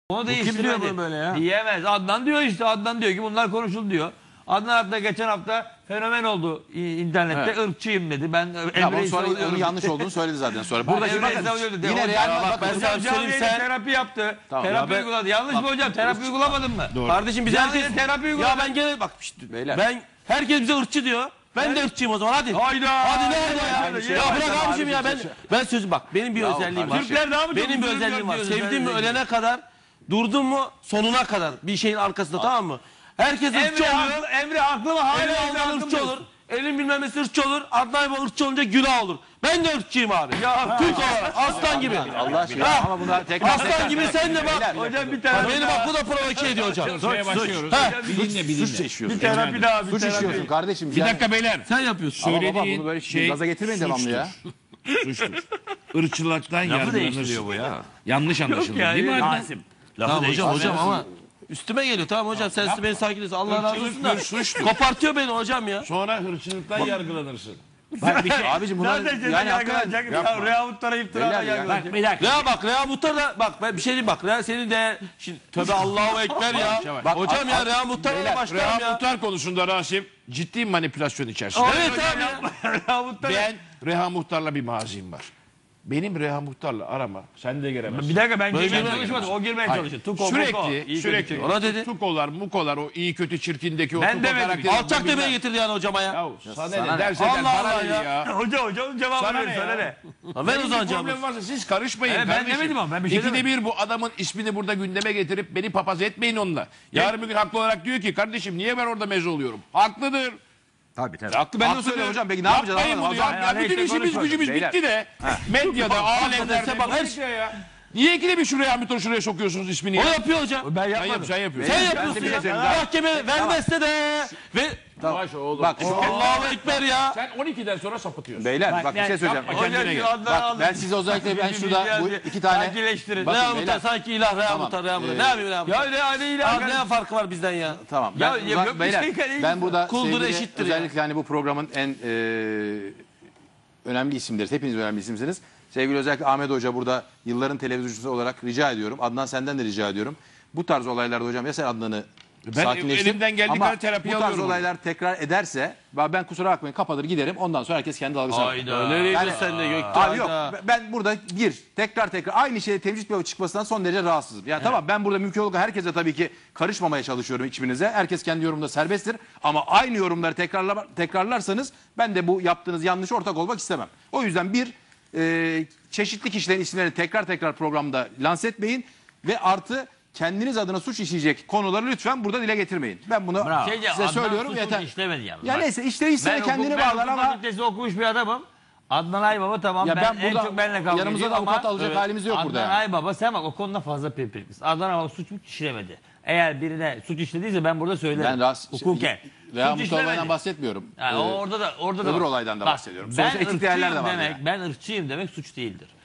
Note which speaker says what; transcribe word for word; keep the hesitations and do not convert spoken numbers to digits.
Speaker 1: Onu
Speaker 2: Bu kim diyor bunu böyle ya?
Speaker 1: Diyemez. Adnan diyor işte. Adnan diyor ki bunlar konuşuldu diyor. Adnan hatta geçen hafta fenomen oldu internette.
Speaker 3: Evet.
Speaker 1: Irkçıyım dedi. Ben
Speaker 3: Ya
Speaker 1: Emre'yi
Speaker 3: sonra
Speaker 1: savunuyorum.
Speaker 3: onun yanlış olduğunu söyledi zaten sonra. Burada
Speaker 1: Ben
Speaker 3: şimdi
Speaker 1: Emre'yi
Speaker 3: bakın
Speaker 1: savunuyorum dedi.
Speaker 3: yine
Speaker 1: Hocam,
Speaker 3: Real
Speaker 1: bak,
Speaker 3: ben
Speaker 1: hocam
Speaker 3: sana söyleyeyim
Speaker 1: canlı
Speaker 3: sen.
Speaker 1: terapi yaptı.
Speaker 3: Tamam,
Speaker 1: terapi
Speaker 3: ya ben-
Speaker 1: uyguladı. Yanlış mı hocam? Terapi uygulamadın mı?
Speaker 3: Doğru.
Speaker 2: Kardeşim biz
Speaker 1: Canlı
Speaker 2: herkes
Speaker 1: terapi uyguladı.
Speaker 2: ya ben gene bak işte,
Speaker 3: Beyler.
Speaker 2: ben herkes bize ırkçı diyor. Ben de ırkçıyım o zaman hadi.
Speaker 1: Hayda.
Speaker 2: Hadi ne
Speaker 1: Hayda,
Speaker 2: oldu ya?
Speaker 1: hayda,
Speaker 2: Ya,
Speaker 1: hayda.
Speaker 2: bırak
Speaker 3: hayda,
Speaker 2: abicim ya
Speaker 3: hayda,
Speaker 2: ben
Speaker 3: hayda.
Speaker 2: ben sözüm bak benim bir
Speaker 3: Ya
Speaker 2: özelliğim var.
Speaker 3: kardeşim.
Speaker 1: Türkler daha mı çok
Speaker 2: Benim bir
Speaker 1: üzülüyor
Speaker 2: özelliğim var.
Speaker 1: diyorsun
Speaker 2: Sevdiğim mi
Speaker 1: sen?
Speaker 2: ölene kadar durdum mu sonuna kadar bir şeyin arkasında tamam mı? Herkes ırkçı
Speaker 1: Emre
Speaker 2: oluyor.
Speaker 1: haklı, Emre haklı mı? Hala
Speaker 2: Elin
Speaker 1: Emre
Speaker 2: Alman
Speaker 1: haklı
Speaker 2: ırkçı
Speaker 1: mı?
Speaker 2: olur. Elin bilmem nesi ırkçı olur. Adnan Baba ırkçı olunca günah olur. Ben de ırkçıyım abi. Ya Türk olarak aslan gibi.
Speaker 3: Allah aşkına
Speaker 2: Ha.
Speaker 3: ama bunlar tekrar
Speaker 2: Aslan
Speaker 3: tekrar.
Speaker 2: gibi sen de bak.
Speaker 3: Beyler,
Speaker 1: Hocam bir
Speaker 2: Ha,
Speaker 1: terapi
Speaker 2: beni
Speaker 1: daha.
Speaker 2: bak bu da provoke ediyor hocam.
Speaker 4: Şeye başlıyoruz.
Speaker 2: Ha.
Speaker 4: Bir dinle bir dinle.
Speaker 3: Suç işiyorsun.
Speaker 1: Bir terapi daha. Bir
Speaker 3: Suç
Speaker 1: terapi.
Speaker 3: işiyorsun kardeşim.
Speaker 4: Bir
Speaker 3: Yani-
Speaker 4: dakika beyler.
Speaker 2: Sen yapıyorsun.
Speaker 3: Ama baba
Speaker 4: Söylediğin
Speaker 3: bunu böyle
Speaker 4: şey
Speaker 3: gaza getirmeyin devamlı ya.
Speaker 4: suçtur. Irkçılıktan
Speaker 1: Lafı
Speaker 4: yargılanırsın.
Speaker 1: değiştiriyor bu ya.
Speaker 4: Yanlış anlaşıldı
Speaker 1: ya,
Speaker 4: değil mi
Speaker 1: ya.
Speaker 4: Adnan?
Speaker 1: Rasim.
Speaker 2: Tamam hocam hocam
Speaker 4: Nasıl?
Speaker 2: ama üstüme geliyor tamam hocam sen beni sakinlesin Allah razı olsun da
Speaker 4: bir suçtur.
Speaker 2: kopartıyor beni hocam ya.
Speaker 4: Sonra hırçılıktan yargılanırsın.
Speaker 3: Abicim bunlar
Speaker 1: Zaten
Speaker 3: yani
Speaker 1: yani
Speaker 3: hakikaten
Speaker 1: hakikaten Rehavutlara iftira
Speaker 3: Beyler ya.
Speaker 1: yargılanacak.
Speaker 4: Bir dakika.
Speaker 2: Rea bak Rea Muhtar da bak ben bir şey diyeyim bak Rea senin de şimdi tövbe Allahu Ekber ya.
Speaker 3: Bak,
Speaker 2: Hocam ya
Speaker 3: a-
Speaker 2: Rea Muhtar'la
Speaker 3: Beyler,
Speaker 2: başlarım
Speaker 4: Reha
Speaker 2: ya.
Speaker 4: Muhtar konusunda Rasim ciddi manipülasyon içerisinde.
Speaker 2: Evet abi.
Speaker 1: Rehavutlara.
Speaker 4: Ben Reha Muhtar'la bir mazim var. Benim Reha Muhtar'la arama. Sen de giremezsin.
Speaker 1: Bir dakika ben
Speaker 2: Böyle
Speaker 1: girmeye
Speaker 2: girmez.
Speaker 1: çalışmadım. O girmeye
Speaker 4: Hayır.
Speaker 1: çalıştı. Tuko, muko.
Speaker 4: Sürekli
Speaker 1: İyi
Speaker 4: sürekli
Speaker 1: kötü.
Speaker 2: Ona dedi.
Speaker 4: tukolar mukolar o iyi kötü çirkindeki o
Speaker 1: Ben
Speaker 4: tuko
Speaker 1: demedim.
Speaker 4: karakteri.
Speaker 2: Alçak
Speaker 4: bilmem-
Speaker 2: demeye getirdi yani hocama ya.
Speaker 4: Yahu sana
Speaker 3: sana
Speaker 4: ne
Speaker 3: ne?
Speaker 4: derse der
Speaker 2: Allah
Speaker 4: bana
Speaker 2: Allah
Speaker 4: ne
Speaker 2: ya.
Speaker 4: ya.
Speaker 1: Hoca hoca onun cevabını
Speaker 4: Sana
Speaker 1: ver.
Speaker 4: ne
Speaker 1: Söyle
Speaker 4: ya?
Speaker 1: ne?
Speaker 2: Ha, ver
Speaker 4: Benim
Speaker 2: o
Speaker 4: bir
Speaker 2: zaman cevabı.
Speaker 4: problem varsa siz karışmayın
Speaker 1: Evet, ben
Speaker 4: kardeşim.
Speaker 1: demedim ama, ben bir şey
Speaker 4: İkide
Speaker 1: demedim.
Speaker 4: bir bu adamın ismini burada gündeme getirip beni papaz etmeyin onunla. Yarın bir gün haklı olarak diyor ki kardeşim niye ben orada meze oluyorum? Haklıdır.
Speaker 3: Tabii tabii. Haklı ben de
Speaker 4: Haklıdır.
Speaker 3: söylüyorum hocam. Peki ne yapacağız?
Speaker 4: Yapmayın
Speaker 3: Anlamadım.
Speaker 4: bunu
Speaker 3: O
Speaker 4: ya.
Speaker 3: zaman-
Speaker 4: Ya bütün
Speaker 1: işte
Speaker 4: işimiz
Speaker 1: konuşma.
Speaker 4: gücümüz
Speaker 3: Beyler.
Speaker 4: bitti de. Medyada, alemlerde.
Speaker 2: Bak,
Speaker 4: Bak,
Speaker 2: her-
Speaker 4: ya. Niye ikide bir şuraya Hamilton şuraya sokuyorsunuz ismini?
Speaker 2: O
Speaker 4: ya?
Speaker 2: yapıyor hocam.
Speaker 1: Ben
Speaker 4: Sen, yap,
Speaker 1: yapmadım.
Speaker 4: sen yapıyorsun.
Speaker 2: Sen
Speaker 3: Ben
Speaker 2: yapıyorsun
Speaker 3: de bir şey
Speaker 2: ya.
Speaker 3: söyleyeyim.
Speaker 2: Mahkeme vermezse de ve
Speaker 4: Yavaş oğlum.
Speaker 3: Bak şu
Speaker 2: Allahu Ekber ya.
Speaker 4: Sen on ikiden sonra sapıtıyorsun.
Speaker 3: beyler bak,
Speaker 1: Bak,
Speaker 3: bir şey
Speaker 1: ben-
Speaker 3: söyleyeceğim.
Speaker 4: yapma kendine
Speaker 1: Hocam
Speaker 4: gel.
Speaker 1: şu Adnan
Speaker 3: Bak
Speaker 1: aldı.
Speaker 3: ben size özellikle ben şurada bu iki tane
Speaker 1: Sakinleştirin.
Speaker 3: Bakın
Speaker 2: Rea Muhtar
Speaker 3: beyler.
Speaker 2: sanki ilah Rea
Speaker 3: Tamam.
Speaker 2: Muhtar Rea Muhtar.
Speaker 3: Ee,
Speaker 2: Ne yapayım Rea Muhtar?
Speaker 1: Ya ne hadi
Speaker 2: Abi
Speaker 1: ilah.
Speaker 2: ne farkı var bizden ya?
Speaker 3: Tamam.
Speaker 1: Ya,
Speaker 3: Ben,
Speaker 1: ya,
Speaker 3: uzak-
Speaker 1: yok bir
Speaker 3: beyler,
Speaker 1: şey kardeşim.
Speaker 3: ben burada
Speaker 2: Kuldur
Speaker 3: sevgili,
Speaker 2: eşittir ya.
Speaker 3: özellikle hani bu programın en e, önemli isimleriz. Hepiniz önemli isimsiniz. Sevgili özellikle Ahmet Hoca burada yılların televizyoncusu olarak rica ediyorum. Adnan senden de rica ediyorum. Bu tarz olaylarda hocam ya sen Adnan'ı
Speaker 4: Ben
Speaker 3: sakinleştir.
Speaker 4: elimden geldiği
Speaker 3: Ama
Speaker 4: kadar terapi
Speaker 3: bu tarz
Speaker 4: alıyorum.
Speaker 3: olaylar tekrar ederse ben kusura bakmayın kapatır giderim. Ondan sonra herkes kendi dalgasına bakar.
Speaker 2: Hayda. Nereye
Speaker 3: Yani-
Speaker 2: gidiyorsun sen de Göktuğ?
Speaker 3: Abi yok ben burada bir tekrar tekrar aynı şeyde tevcih bir çıkmasından son derece rahatsızım. Yani tamam ben burada mümkün olduğu herkese tabii ki karışmamaya çalışıyorum hiçbirinize. Herkes kendi yorumunda serbesttir. Ama aynı yorumları tekrarla, tekrarlarsanız ben de bu yaptığınız yanlış ortak olmak istemem. O yüzden bir e, çeşitli kişilerin isimlerini tekrar tekrar programda lanse etmeyin. Ve artı kendiniz adına suç işleyecek konuları lütfen burada dile getirmeyin. Ben bunu
Speaker 1: Şeyce,
Speaker 3: size
Speaker 1: Adnan
Speaker 3: söylüyorum
Speaker 1: suçu
Speaker 3: yeter.
Speaker 1: işlemedi yalnız.
Speaker 3: Ya
Speaker 1: Bak,
Speaker 3: neyse işte işleri
Speaker 1: ben
Speaker 3: kendini
Speaker 1: hukuk- ben
Speaker 3: bağlar
Speaker 1: hukuk
Speaker 3: ama
Speaker 1: fakültesi okumuş bir adamım. Adnan Aybaba tamam
Speaker 3: Ya
Speaker 1: ben,
Speaker 3: ben
Speaker 1: en
Speaker 3: burada
Speaker 1: çok benimle kavga
Speaker 3: yanımıza
Speaker 1: ediyor
Speaker 3: da avukat
Speaker 1: ama
Speaker 3: alacak halimiz yok
Speaker 1: Adnan
Speaker 3: burada yani.
Speaker 1: Aybaba sen bak o konuda fazla pirpiriklisin. Adnan Aybaba suç mu işlemedi. Eğer birine suç işlediyse ben burada söylerim.
Speaker 3: Ben ras-
Speaker 1: Hukuken.
Speaker 3: Veya
Speaker 1: Suç
Speaker 3: Mustafa olaydan
Speaker 1: işlemedi.
Speaker 3: bahsetmiyorum.
Speaker 1: Yani
Speaker 3: Ee,
Speaker 1: o orada da orada da
Speaker 3: öbür
Speaker 1: var.
Speaker 3: olaydan da
Speaker 1: Bak,
Speaker 3: bahsediyorum.
Speaker 1: Ben
Speaker 3: Sonuçta etik değerler de
Speaker 1: ırkçıyım
Speaker 3: var
Speaker 1: demek,
Speaker 3: yani.
Speaker 1: ben ırkçıyım demek suç değildir.